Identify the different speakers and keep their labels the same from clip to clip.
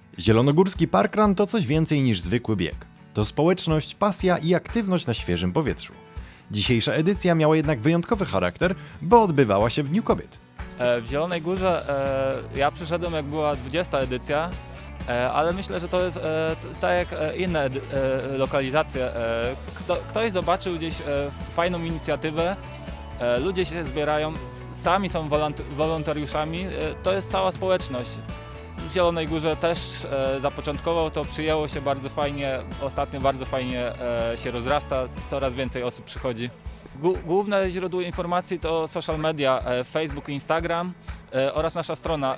Speaker 1: Zielonogórski Parkrun to coś więcej niż zwykły bieg. To społeczność, pasja i aktywność na świeżym powietrzu. Dzisiejsza edycja miała jednak wyjątkowy charakter, bo odbywała się w Dniu Kobiet.
Speaker 2: W Zielonej Górze ja przyszedłem, jak była 20. edycja, ale myślę, że to jest tak jak inne lokalizacje. Ktoś zobaczył gdzieś fajną inicjatywę, ludzie się zbierają, sami są wolontariuszami, to jest cała społeczność. W Zielonej Górze też zapoczątkował to, przyjęło się bardzo fajnie, ostatnio bardzo fajnie się rozrasta, coraz więcej osób przychodzi. Główne źródło informacji to social media, Facebook i Instagram oraz nasza strona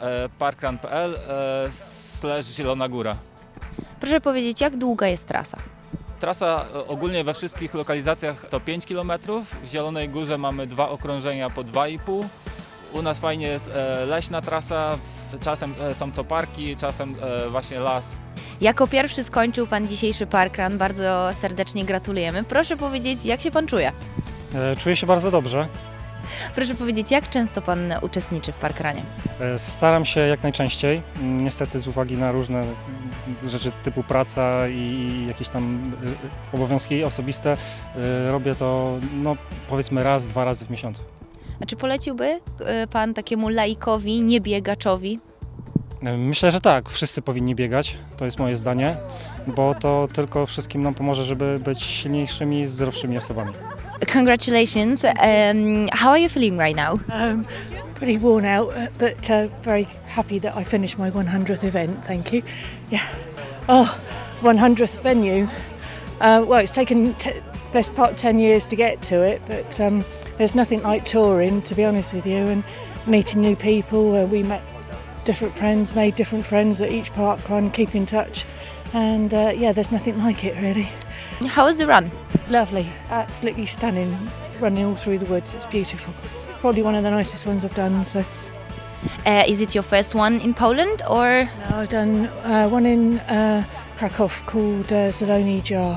Speaker 2: parkrun.pl/Zielona Góra.
Speaker 3: Proszę powiedzieć, jak długa jest trasa?
Speaker 2: Trasa ogólnie we wszystkich lokalizacjach to 5 km, w Zielonej Górze mamy 2 okrążenia po 2,5. U nas fajnie jest leśna trasa, czasem są to parki, czasem właśnie las.
Speaker 3: Jako pierwszy skończył Pan dzisiejszy parkrun, bardzo serdecznie gratulujemy. Proszę powiedzieć, jak się Pan czuje?
Speaker 4: Czuję się bardzo dobrze.
Speaker 3: Proszę powiedzieć, jak często Pan uczestniczy w parkrunie?
Speaker 4: Staram się jak najczęściej. Niestety z uwagi na różne rzeczy typu praca i jakieś tam obowiązki osobiste robię to powiedzmy raz, 2 razy w miesiącu.
Speaker 3: A czy poleciłby Pan takiemu laikowi, niebiegaczowi?
Speaker 4: Myślę, że tak. Wszyscy powinni biegać. To jest moje zdanie, bo to tylko wszystkim nam pomoże, żeby być silniejszymi, zdrowszymi osobami.
Speaker 3: Congratulations. How are you feeling right now?
Speaker 5: Pretty worn out, but very happy that I finished my 100th event. Thank you. Yeah. Oh, 100th venue. Well, it's taken best part 10 years to get to it, but there's nothing like touring, to be honest with you, and meeting new people. We met different friends, made different friends at each parkrun, keep in touch, and yeah, there's nothing like it really.
Speaker 3: How was the run?
Speaker 5: Lovely, absolutely stunning, running all through the woods. It's beautiful. Probably one of the nicest ones I've done. So,
Speaker 3: Is it your first one in Poland or?
Speaker 5: no, I've done one in Krakow called Zieloni Jar.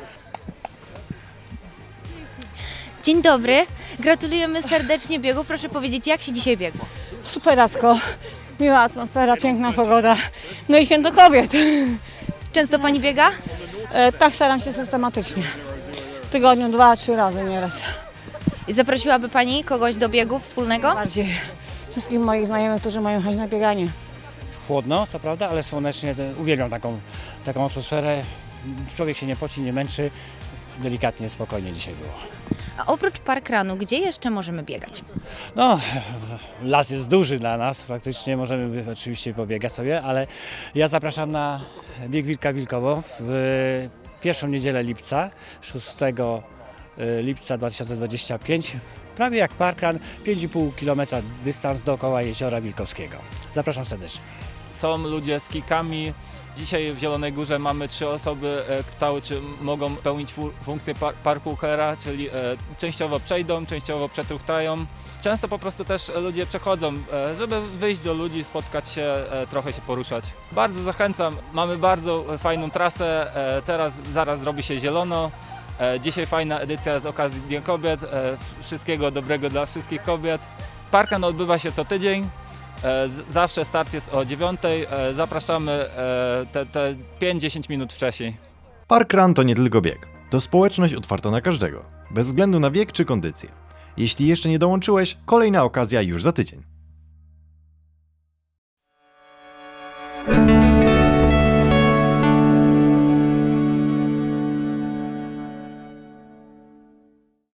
Speaker 3: Dzień dobry, gratulujemy serdecznie biegu. Proszę powiedzieć, jak się dzisiaj biegło?
Speaker 6: Superacko, miła atmosfera, piękna pogoda, no i Święto Kobiet.
Speaker 3: Często Pani biega?
Speaker 6: Tak staram się systematycznie. W tygodniu 2-3 razy nieraz.
Speaker 3: I zaprosiłaby Pani kogoś do biegu wspólnego?
Speaker 6: Bardziej wszystkich moich znajomych, którzy mają chęć na bieganie.
Speaker 7: Chłodno, co prawda, ale słonecznie. Uwielbiam taką atmosferę. Człowiek się nie poci, nie męczy. Delikatnie, spokojnie dzisiaj było.
Speaker 3: A oprócz parkrunu, gdzie jeszcze możemy biegać?
Speaker 7: No, las jest duży dla nas, praktycznie możemy oczywiście pobiegać sobie, ale ja zapraszam na bieg Wilka Wilkowo w pierwszą niedzielę lipca, 6 lipca 2025. Prawie jak parkrun, 5,5 km dystans dookoła Jeziora Wilkowskiego. Zapraszam serdecznie.
Speaker 2: Są ludzie z kikami. Dzisiaj w Zielonej Górze mamy 3 osoby, które mogą pełnić funkcję parkourera, czyli częściowo przejdą, częściowo przetruchtają. Często po prostu też ludzie przechodzą, żeby wyjść do ludzi, spotkać się, trochę się poruszać. Bardzo zachęcam, mamy bardzo fajną trasę, zaraz zrobi się zielono. Dzisiaj fajna edycja z okazji Dnia Kobiet, wszystkiego dobrego dla wszystkich kobiet. Parkrun odbywa się co tydzień. Zawsze start jest o 9:00, zapraszamy te 5-10 minut wcześniej.
Speaker 1: Parkrun to nie tylko bieg. To społeczność otwarta na każdego, bez względu na wiek czy kondycję. Jeśli jeszcze nie dołączyłeś, kolejna okazja już za tydzień.